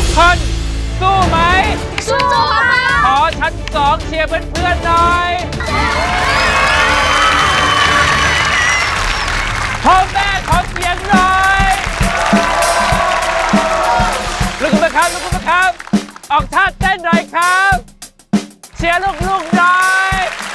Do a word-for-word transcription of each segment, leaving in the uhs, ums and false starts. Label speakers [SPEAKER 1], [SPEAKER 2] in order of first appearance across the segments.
[SPEAKER 1] กคนสู้ไหม
[SPEAKER 2] สู้ค่ะ
[SPEAKER 1] ขอชั้นสองเชียร์เพื่อนๆหน่อยพ่อแม่ขอเสียงหน่อยลุกขึ้นมาครับลุกขึ้นมาครับออกท่าเต้นหน่อยครับเชียร์ลูกๆหน่อย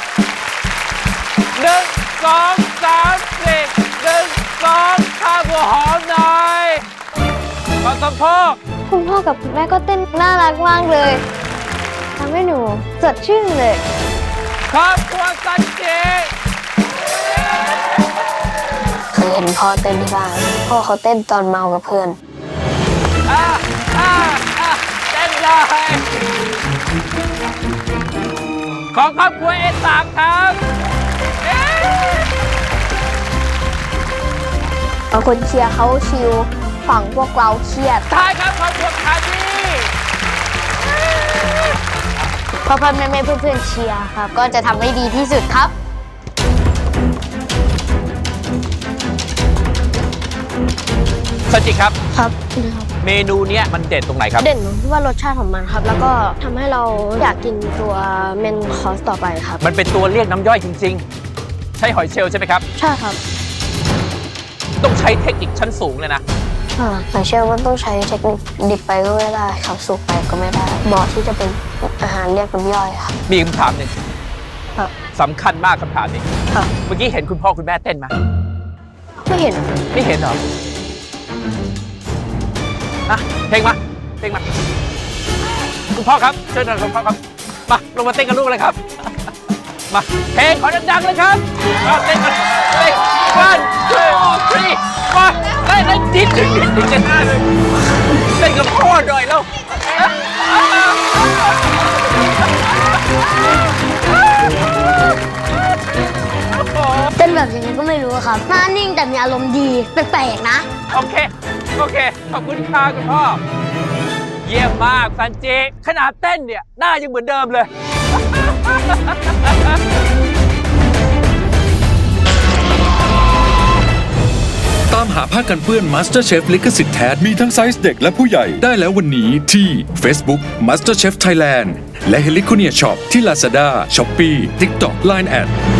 [SPEAKER 1] หนึ่งสองสามสี่หนึ่งสองข้าหัวหอมหน่อยขอสมโพก
[SPEAKER 2] คุณพ่อกับคุณแม่ก็เต้นน่ารักมากเลยทำให้หนูสดชื่นเลย
[SPEAKER 1] ครอบครัวซันจิ
[SPEAKER 2] เคยเห็นพ่อเต้นที่บ้านพ่อเขาเต้นตอนเมากับเพื่อน
[SPEAKER 1] อ่าอ่าอ่าเต้นเลยของครอบครัวเอสามครับเอ๊ะ
[SPEAKER 2] บางคนเชียร์เขาชิลฝั่งพวกเราเครียด
[SPEAKER 1] ท้ายครับครอบครัวคาดี
[SPEAKER 2] พ่อพ่อแม่แม่เพื่อนๆเชียร์ครับก็จะทำให้ดีที่สุดครับ
[SPEAKER 1] ซันจิครับ
[SPEAKER 2] ครับ
[SPEAKER 1] เมนูเนี้ยมันเด็ดตรงไหนครับ
[SPEAKER 2] เด่นตรงที่ว่ารสชาติของมันครับ แล้วก็ทำให้เราอยากกินตัวเมนคอร์สต่อไปครับ
[SPEAKER 1] มันเป็นตัวเรียกน้ำย่อยจริงๆ ใช่หอยเชลล์ใช่ไหมครับ
[SPEAKER 2] ใช่ครับ
[SPEAKER 1] ต้องใช้เทคนิคชั้นสูงเลยนะ
[SPEAKER 2] อ่าหอยเชลล์มันต้องใช้เทคนิคดิบไปก็ไม่ได้ครับสุกไปก็ไม่ได้เหมาะที่จะเป็นอาหารเรียกน้ำย่อยครับ
[SPEAKER 1] มีคำถามหนึ่ง
[SPEAKER 2] ครับ
[SPEAKER 1] สำคัญมากคำถามนี้
[SPEAKER 2] ครับ
[SPEAKER 1] เมื่อกี้เห็นคุณพ่อคุณแม่เต้นไหม
[SPEAKER 2] ไม่เห็น
[SPEAKER 1] ไม่เห็นเหรอนะเพลงมาเพลงมาคุณพ่อครับเชิญหน่อยคุณพ่อครับมาลงมาเต้นกับลูกเลยครับ มาเพลงขอดังๆเลยครับมาเต้นกันเต้นวันสองสามมาเต้นเล่นดิ้นดิ้นดิ้นดิ้นกันหน้าเลยเต้นกับพ่อหน่อยแล้ว
[SPEAKER 2] เต้นแบบยังไงก็ไม่รู้ครับหน้านิ่งแต่มีอารมณ์ดีแปลกๆนะ
[SPEAKER 1] โอเค โอเค ขอบคุณค่ะคุณพ่อ เยี่ยมมากซันจิขนาดเต้นเนี่ย หน้ายังเหมือนเดิมเลย
[SPEAKER 3] ตามหาผ้ากันเปื้อน MasterChef ลิขสิทธิ์แท้มีทั้งไซส์เด็กและผู้ใหญ่ได้แล้ววันนี้ที่ Facebook MasterChef Thailand และ Heliconia Shop ที่ Lazada, Shopee, TikTok, ไลน์ แอด